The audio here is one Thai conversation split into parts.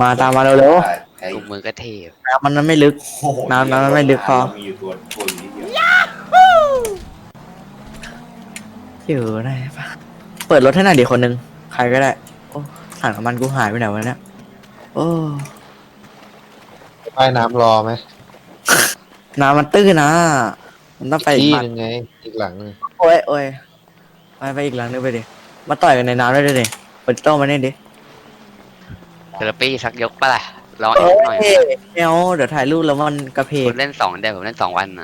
มาตามมาเร็วไอ้กูมือก็เทพๆน้ำมันไม่ลึกโอ้โหน้ำมันไม่ลึกพอเรามีอยู่ตัวอยู่นิดเดียวอยู่ไหนปะเปิดรถให้หน่อยดิคนหนึ่งใครก็ได้โอ้ถังน้ำมันกูหายไปไหนวะเนี่ยโอ้ว่ายน้ำรอไหมน้ำมันตื้นนะมันต้องไปอีกที่บ้านหนึ่งไงอีกหลังหนึ่งโอ้ยโอ้ยไปอีกหลังนึงไปดิมาต่อยกันในน้ำได้ดิเปิดโต้มาเนี่ยดิเทเลปี้ชักยกปะล่ะลองแอเอ้บหน่อยยเอวเดี๋ยวถ่ายรูปแล้วมันกระเพกคุณเล่น2 เดือนผมเล่น2 วันอ่ะ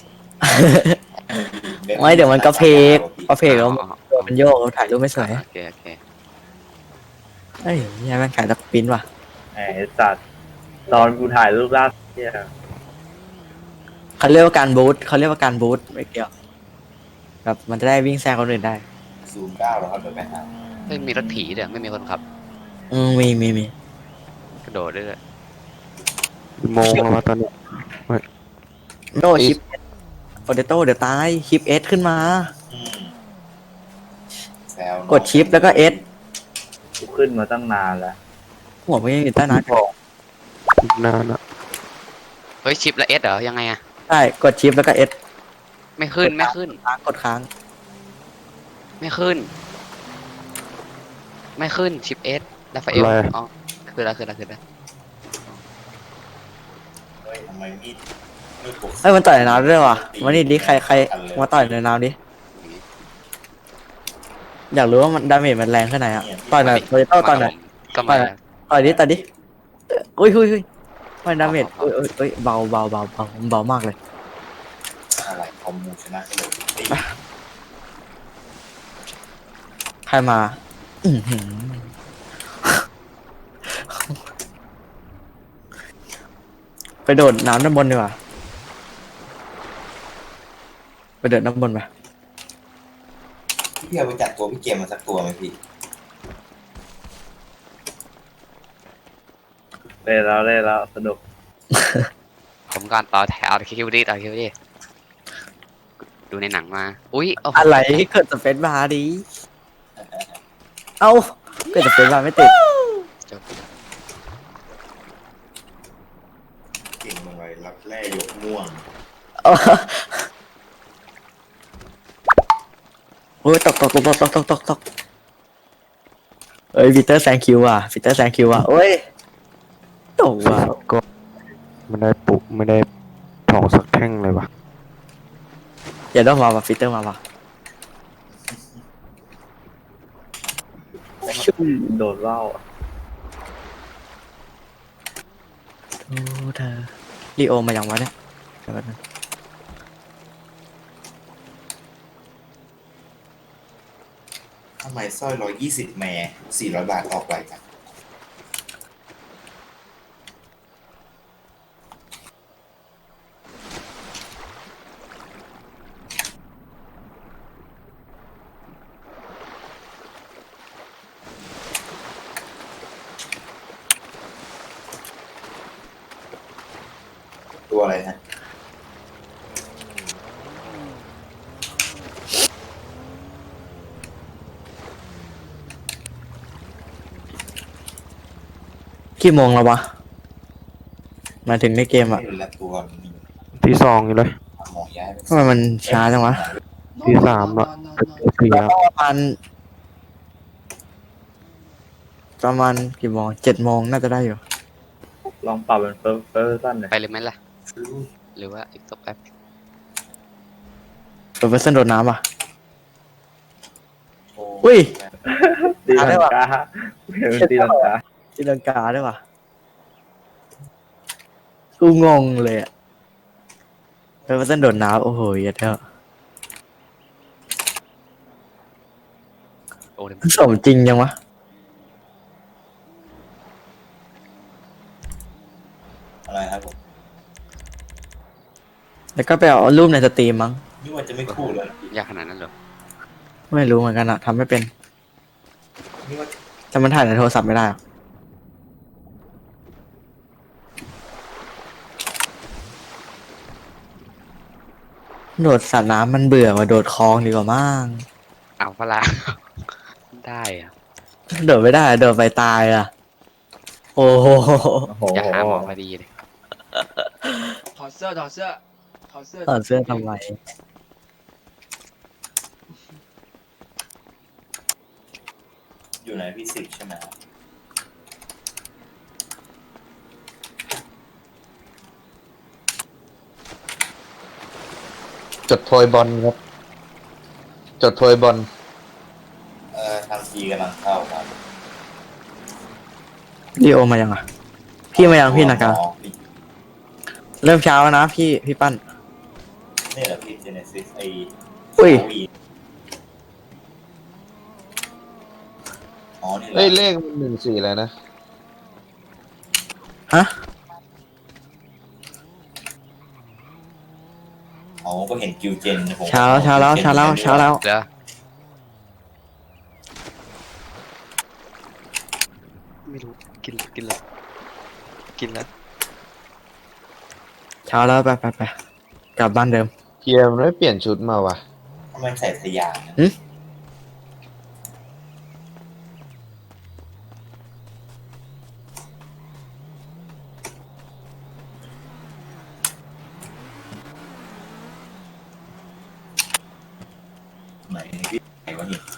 ไม่เดี๋ยวมันกระเพกแล้วอ๋อมันโยกถ่ายรูปไม่สวยโอเคโอเคเฮ้ยยังมันขายตะปิ้นว่ะไอ้สัตว์ตอนกูถ่ายรูปล่าสุดเนี่ยเขาเรียกว่าการบูทเขาเรียกว่าการบูทไม่เกี่ยวแบบมันจะได้วิ่งแซงคนอื่นได้ 09แล้วครับเดี๋ยวไปหาไม่มีรถผีเดี๋ยวไม่มีคนขับมีกระโดดด้วยโมงแล้ววะตอนนี้โดชิปโปเตโต้เดี๋ยวตายชิปเอสขึ้นมาอืมแซวกดชิปแล้วก็เอสกูขึ้นมาตั้งนานแล้วหัวไม่ยังอยู่ใต้น้ำอีกนานอ่ะเฮ้ยชิปและเอสเหรอยังไงอะใช่กดชิปแล้วก็เอสไม่ขึ้นไม่ขึ้นกดค้างไม่ขึ้น ไม่ขึ้นชิปเอสแล้วไฟเอลอ๋อคือแล้วเฮ้ยทำไมมีดปกเฮ้ยมันต่อยในน้ำด้วยว่ะมานี่ดิใครมาต่อยในน้ำดิอยากรู้ว่ามันดาเมจมันแรงแค่ไหนอ่ะต่อยหน่อยโปเตโต้ต่อยหน่อยก็มาต่อยดิอุ้ยมันดาเมจอุ้ยเบามากเลยอะไรคอมมูชนะก็เลยตีใครมาอื้อหือไปโดดน้ำด้านบนดีกว่าไปเดินน้ำบนไปพี่เอาไปจัดตัวพี่เกมมาสักตัวไหมพี่เล่นแล้วสนุกผมการต่อแถวคิวดิดูในหนังมาอุ้ยโอ้โหอะไรเกิดสเปซบาร์ดิเอ้าเกิดสเปซบาร์ไม่ติดเก่งลงไปรับแร่ยกม่วงเออโอ้ยตกเอ้ยปีเตอร์แซงคิวอ่ะโอ้ยตกว่ะก็ไม่ได้ปลุกไม่ได้ถอกสักแท่งเลยว่ะอย่าต้องมาว่ะปีเตอร์มาว่ะโดดว่าวอะโอ้เธอลีโอมาอย่างวะเนี่ยเดี๋ยวแป๊บนึงทำไมสร้อย120แม่400 บาทออกไปกันตัวอะไรฮะกี่โมงแล้ววะมาถึงในเกมอ่ะไม่รู้ละตัวนี้ที่สองอยู่เลยหมอย้ายไปทำไมมันช้าจังวะที่สามละสี่ก็แล้วประมาณกี่โมง7 โมงน่าจะได้อยู่ลองปรับเป็นเฟิร์สสั้นเลยไปเลยไหมล่ะหรือว่าอีกสักแป๊บเปิดเวอร์ชันโดดน้ำอ่ะโอ้อุ้ยตีลังกาเห็นมันตีลังกาตีลังกาด้วยว่ะกูงงเลยอ่ะเปิดเวอร์ชันโดดน้ำโอ้โหเหี้ยเท่าโอ้เดี๋ยวสมจริงยังวะอะไรครับผมแล้วก็ไปเอารูปในสตรีมมั้งนี่ว่าจะไม่คู่เลยยากขนาดนั้นเหรอไม่รู้เหมือนกันอะทำไม่เป็นนี่ว่าแต่มันถ่ายในโทรศัพท์ไม่ได้อะโดดสระน้ำมันเบื่อว่ะโดดคลองดีกว่ามั้งเอาเวลา ได้อะโดดไม่ได้โดดไปตายอ่ะโอ้โหโอ้โหอย่าหาหมอพอดีเลยถอดเสื้อถอดเสื้อถอดเสื้อถอดเสื้อทำไมอยู่ในฟิสิกส์ใช่ไหมจดโพยบอลครับ จดโพยบอลทางทีกำลังเข้าครับลีโอมายังอ่ะ พี่มายังพี่นากา เริ่มเช้าแล้วนะพี่ปั้นนี่แหละพี่เจเนซิสไออุ้ยอ๋อนี่แหละเอ้ยเลขมัน14อะไรนะฮะอ๋อก็เห็นกิวเจนผมเช้าแล้วเดี๋ยวไม่รู้กินแล้วเช้าแล้วไปกลับบ้านเดิมเฮียมันไม่เปลี่ยนชุดมาวะทำไมใส่สยามนะหึไหนพี่ไหนวะนี่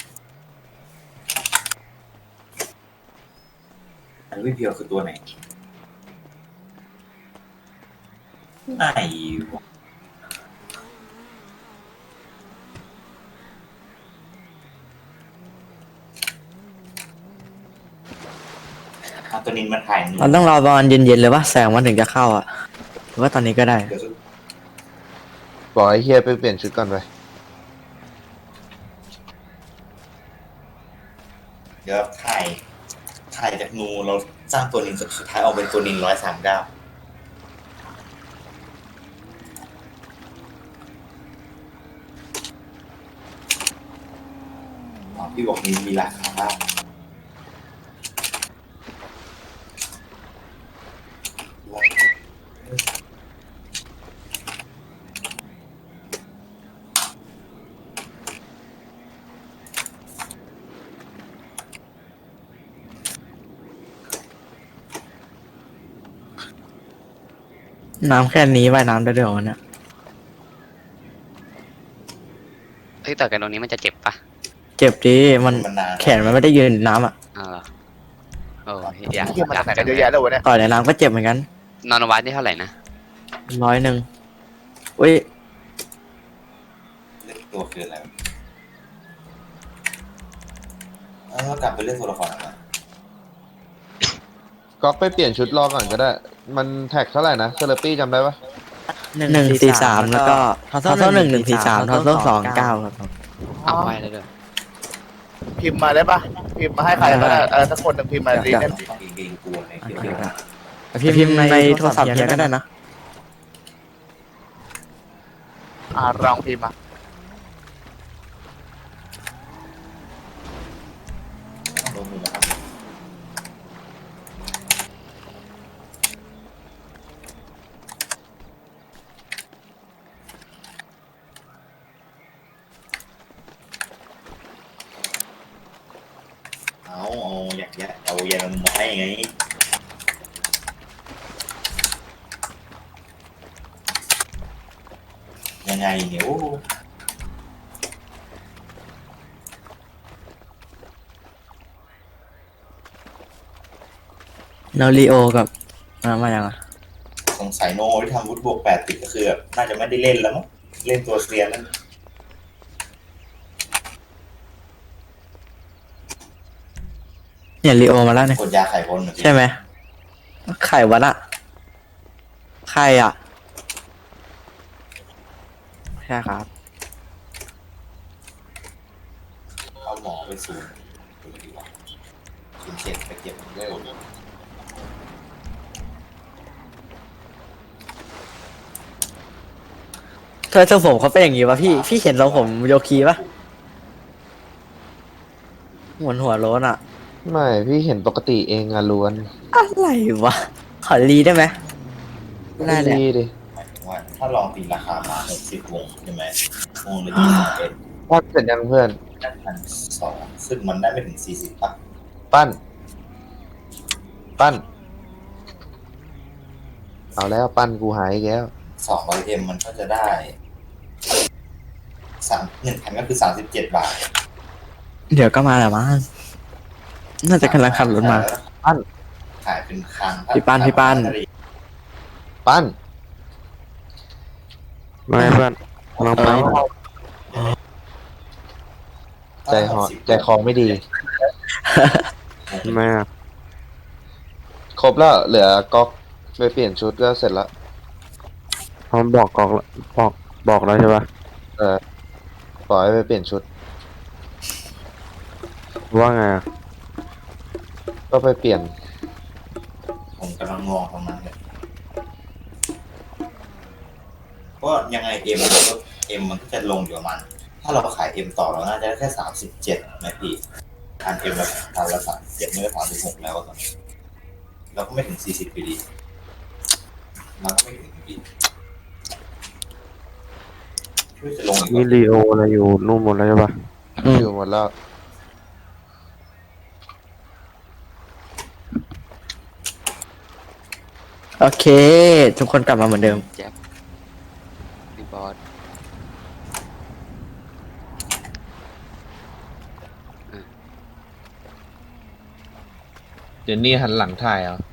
อันพี่เพียวคือตัวไหนไหนวะเอาตัวนี้มาถ่ายหนึ่งเราต้องรอประมาณเย็นๆเลยว่าแสงมันถึงจะเข้าอ่ะหรือว่าตอนนี้ก็ได้เดี๋ยวบอกไอ้เฮียไปเปลี่ยนชุดก่อนไปเดี๋ยวถ่ายจากนูเราสร้างตัวนินสุดท้ายออกเป็นตัวนิน139อ๋อพี่บอกมีราคาน้ำแค่นี้ว่ายน้ำได้ด้วยเหรอเนี่ยเฮ้ยแต่กันตรงนี้มันจะเจ็บปะเจ็บดิมันมันนานแขนมันไม่ได้ยืนน้ำอ่ะอ้าวเหรอโอ้ยอยากเที่ยวมาจากไหนกันเยอะแยะเลยวะเนี่ยต่อยในน้ำก็เจ็บเหมือนกันนอนวัดนี่เท่าไหร่นะ 100อุ้ยเล่นตัวคืออะไรกลับไปเล่นตัวละครอะไรก๊อกไปเปลี่ยนชุดรอก่อนก็ได้ มันแท็กเท่าไหร่นะเซเลปี้จำได้ปะ 143แล้วก็ทอโซ่143ทอโซ่29ครับเอาไว้แล้วด้วยพิมพ์มาได้ปะพิมพ์มาให้ใครก็ได้สักคนหนึ่งพิมพ์มาดีแค่เกงกลัวในเกี่ยวกับพิมพ์ในโทรศัพท์เฮียก็ได้นะลองพิมพ์มาลงมือนะครับเอาอยากเอายามาให้ไงยังไงเนี่ยโอ้แล้วลีโอกับมายังอ่ะสงสัยโนที่ทำวุฒิบวก8ติดก็คือแบบน่าจะไม่ได้เล่นแล้วมั้งเล่นตัวเซียนนั่นเนี่ยลีโอมาแล้วเนี่ยกดยาไข่พ้นใช่ไหมไข่วัดอะไข่อ่ะใช่ครับเอาหมอไปศูนย์ดูดีกว่า07ไปเก็บเร็วเธอทรงผมเขาเป็นอย่างงี้วะพี่เห็นทรงผมโยคีปะเหมือนหัวโล้นอะไม่พี่เห็นปกติเองอะล้วนอะไรวะขอรีได้ไหมได้เลยดีดิหมายถึงว่าถ้าลองตีราคามา60วงใช่ไหมวงละ21 ปั้นเสร็จยังเพื่อน 1,200ซึ่งมันได้ไม่ถึง40ป่ะปั้นปั้น เอาแล้วปั้นกูหายอีกแล้ว 200M มันก็จะได้1,000ก็คือ37 บาทเดี๋ยวก็มาแหละมั้งน่าจะกำลังขับรถมาปั้นขายเป็นครั้งพี่ปั้นปั้นไม่เพื่อนลองไปใจคอไม่ดีไม่อะครบแล้วเหลือก๊อกไปเปลี่ยนชุดก็เสร็จแล้วเขาบอกกอกแล้วบอกแล้วใช่ปะปล่อยให้ไปเปลี่ยนชุดว่าไงอะก็ไปเปลี่ยนผมกำลังมองตรงนั้นเลยเพราะยังไงเอ็มมันก็จะลงอยู่ประมาณถ้าเราขายเอ็มต่อเราน่าจะได้แค่37นะพี่อันเอ็มเราทำละ37ไม่ก็36แล้วตอนนี้เราก็ไม่ถึง40ปีดีเราก็ไม่ถึงปีช่วยจะลงอีกมีรีโออะไรอยู่นู่นหมดแล้วใช่ปะอยู่หมดแล้วโอเค ทุกคนกลับมาเหมือนเดิมแจ็บพี่บอสเดี๋ยวนี้หันหลังถ่ายเอา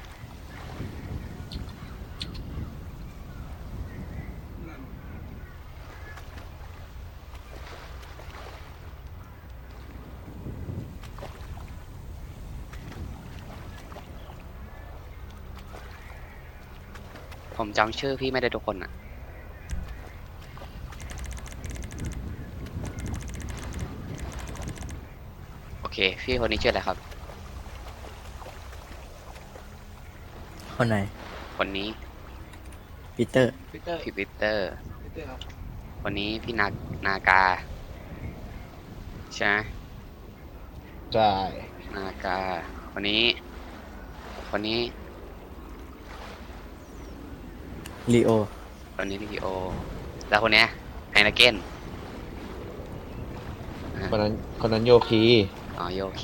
ผมจำชื่อพี่ไม่ได้ทุกคนอ่ะ โอเค พี่คนนี้ชื่ออะไรครับคนไหนคนนี้ปีเตอร์พีเตอร์พี่ปีเตอร์พีเตอร์ครับคนนี้พี่นากา ใช่ไหมใช่นากา คนนี้ คนนี้ลีโอคนนี้ลีโอ แล้วคนเนี้ยไฮนาเกนคนนั้นโยคีอ๋อโยคี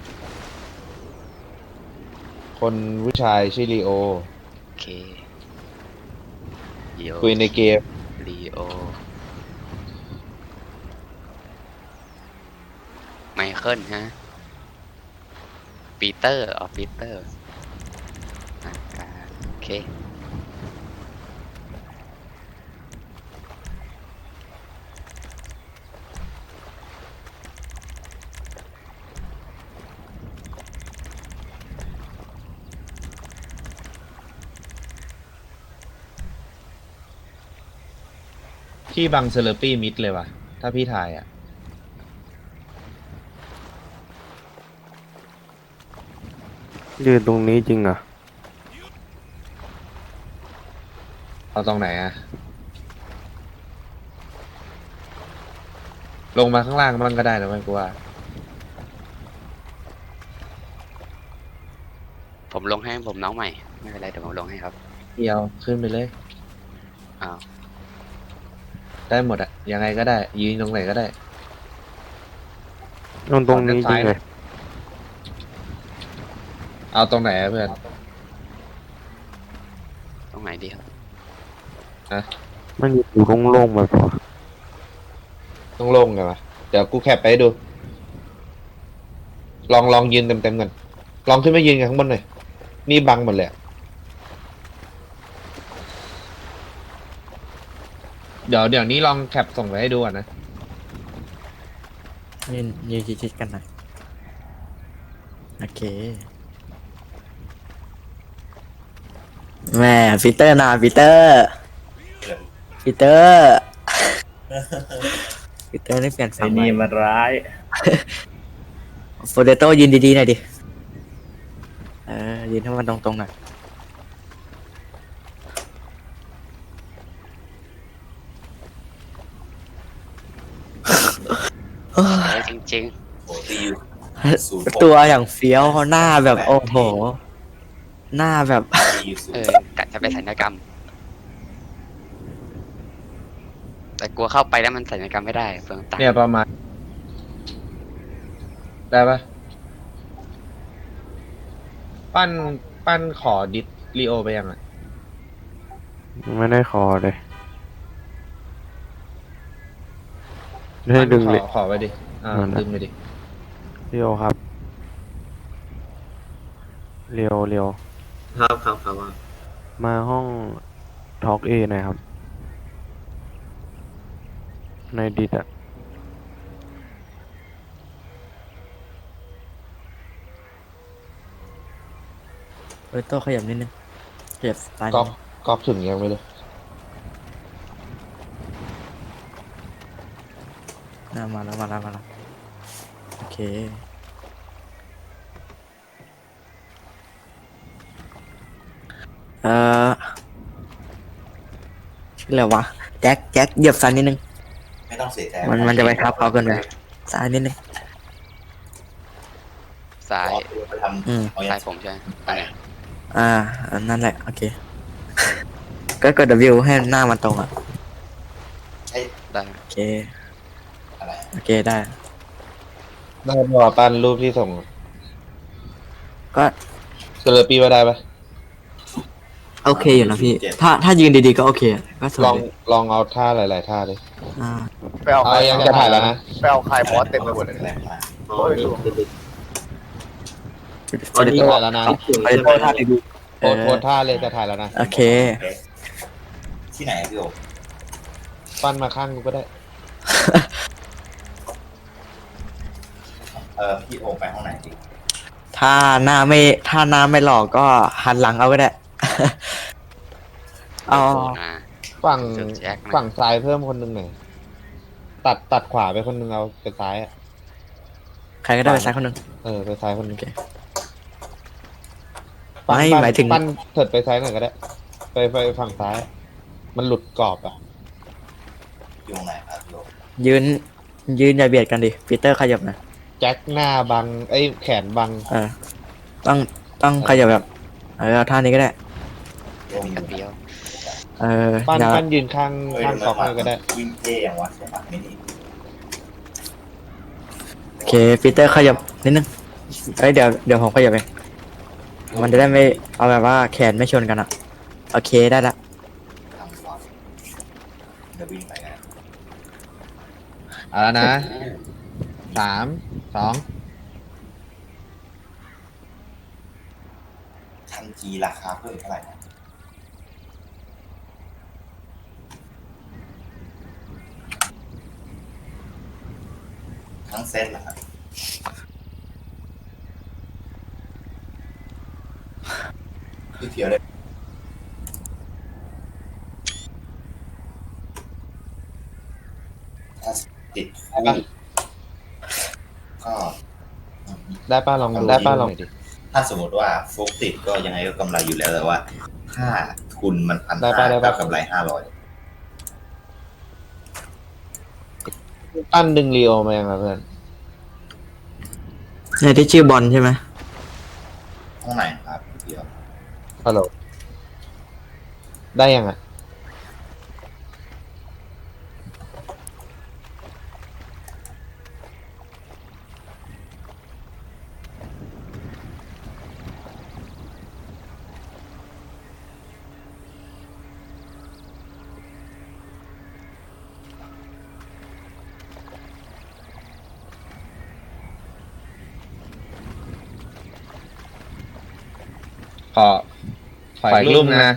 คนผู้ชายชื่อลีโอโอเคโยคุยในเกมลีโอ ไมเคิลฮะ ปีเตอร์อ๋อปีเตอร์นากาโอเคพี่บังเซเลอร์ปี้มิดเลยว่ะ ถ้าพี่ถ่ายอ่ะยืนตรงนี้จริงเหรอ่ะเอาตรงไหนอ่ะ ลงมาข้างล่างมันก็ได้นะไม่กูว่าผมลงให้ผมน้องใหม่ ไม่เป็นไรเดี๋ยวผมลงให้ครับเดียวขึ้นไปเลยอ้าวได้หมดอ่ะ ยังไงก็ได้ ยืนตรงไหนก็ได้ตรงนี้จริงเลยเอาตรงไหนอะเพื่อนตรงไหนดีครับมันอยู่โล่งๆแบบวะต้องลงไงวะเดี๋ยวกูแคปไปให้ดู ลองยืนเต็มๆกัน ลองขึ้นมายืนกันข้างบนหน่อย นี่บังหมดเลยอะเดี๋ยวนี้ลองแคปส่งไปให้ดูก่อนนะยืนชิดๆกันหน่อยโอเคแม่ปีเตอร์นะปีเตอร์ปีเตอร์ปีเตอร์นี่เปลี่ยนฝั่งนี่มันร้ายโฟเดโต้ยืนดีๆหน่อยดิยืนให้มันตรงๆหน่อยเออจริงโอ้ตีอยู่ตัวอย่างเฟี้ยวหน้าแบบโอ้โห หน้าแบบตีอยู่ๆ กะจะไปสัญญกรรม แต่กลัวเข้าไปแล้วมันสัญญกรรมไม่ได้เปลืองตังค์เนี่ยประมาณ ได้ปะปั้นขอดิสลีโอไปยังอ่ะไม่ได้คอเลยให้ดึงขเลอย ขอไปดิดึงไปดิเรียวครับเรียวครับว่ามาห้องทอล์กเอหน่อยครับ ในดิดอะโต้ขยับนิดนึงขยับซ้ายนิดก๊อกนึงก๊อกถึงยังไม่รู้มาแล้วโอเคชื่ออะไรวะแจ็คเหยียบซ้ายนิดนึงไม่ต้องเสียใจมันจะไปทับเขาเกินไปซ้ายนิดนึงซ้ายไปทำอืมเอาอซ้าย่าย งผมใช่ไหมไปอันนั่นแหละโอเคก็กด W ให้หน้ามันตรงอ่ะใช่ได้โอเคอะไรโอเคได้ได้พอปั้นรูปที่ส่งก็เซเลปี้ว่าได้ปะโอเคอยู่นะพี่ถ้ายืนดีๆก็โอเคอะก็สวยลองเอาท่าหลายๆท่าดิอ่าไปเอาเอายังจะถ่ายแล้วนะไปเอาใครบอสเต็มไปหมดเลยแรงมากโอ้ยหลวงจะถ่ายแล้วนะไปโต้ท่าดีโพสท่าเลยจะถ่ายแล้วนะโอเคที่ไหนพี่โอปั้นมาข้างกูก็ได้พี่โอไปห้องไหนดีถ้าหน้าไม่หลอกก็หันหลังเอาก็ได้ เอาโอ้นะฝั่งสุดแจ็คนะฝั่งซ้ายเพิ่มคนหนึ่งหน่อยตัดขวาไปคนหนึ่งเอาไปซ้ายอะใครก็ได้ไปซ้ายคนหนึ่งไปซ้ายคนหนึ่งโอเคปั้นไม่หมายถึงปั้นเถิดไปซ้ายหน่อยก็ได้ ไปฝั่งซ้าย มันหลุดกรอบอ่ะอยู่ตรงไหนครับพี่โอยืนอย่าเบียดกันดิปีเตอร์ขยับหนะแจ็คหน้าบังแขนบังต้องขยับแบบเอาท่านี้ก็ได้พี่โอมีกันเดียวปั้นอย่าปั้นยืนข้างก๊อกเลยก็ได้วิ่งเท่อย่างวะใช่ปะไม่นี่โอเคปีเตอร์ขยับนิดนึงเดี๋ยวผมขยับเองมันจะได้ไม่เอาแบบว่าแขนไม่ชนกันอ่ะโอเคได้ละทางขวาเดี๋ยววิ่งไปกันเอาแล้วนะ 3 2 ทันจีราคาเพิ่มเท่าไหร่นะทั้งเซ็ตเหรอครับพี่เพียวเลยถ้าติดได้ปะก็ได้ป้าลองดูได้ป้าลองดิถ้าสมมติว่าโฟกติดก็ยังไงก็กำไรอยู่แล้วแต่ว่า ถ้าทุนมันพันได้ห้าปะได้ปะกับกำไร500 ปั้นดึงลีโอมายังไงเพื่อนในที่ชื่อบอลใช่ไหมห้องไหนครับพี่เพียวฮัลโหลได้ยังอ่ะ ขออีกรูปนะ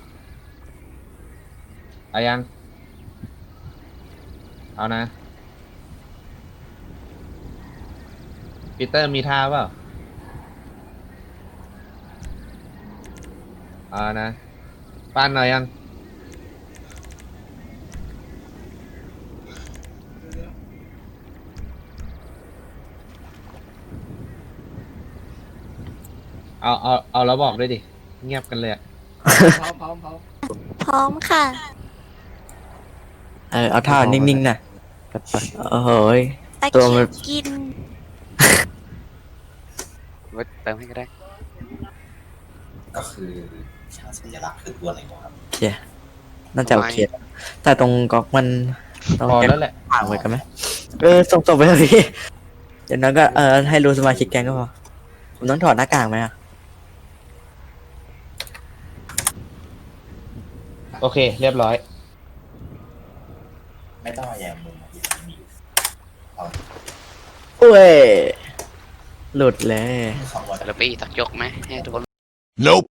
เอายัง เอานะปีเตอร์มีท่าเปล่าเอานะปั้นหน่อยยัง เอาแล้วบอกด้วยดิ เงียบกันเลยอะพร้อมพร้อมพร้อมพร้อมค่ะเอาท่านิ่งๆนะจัดไปโอ้โหยตะตัวมัเกียนบกินไว้เติมให้ก็ได้ก็คือช่างสัญลักษณ์คือตัวไหนวะครับโอเคน่าจะโอเคแต่ตรงก๊อกมันต้องพอแก๊แล้วแหละห่างไว้กันไหมส่งไปเถอะพี่อย่างนั้นก็ให้รู้สมาชิกแก๊งก็พอผมต้องถอดหน้ากากไหมอ่ะโอเค เรียบร้อยไม่ต้องมาแยงมุมที่มีอยู่เอาโอ้ยหลุดเลยคำว่าแล้วไปสักยกไหมให้ทุกคน Nope.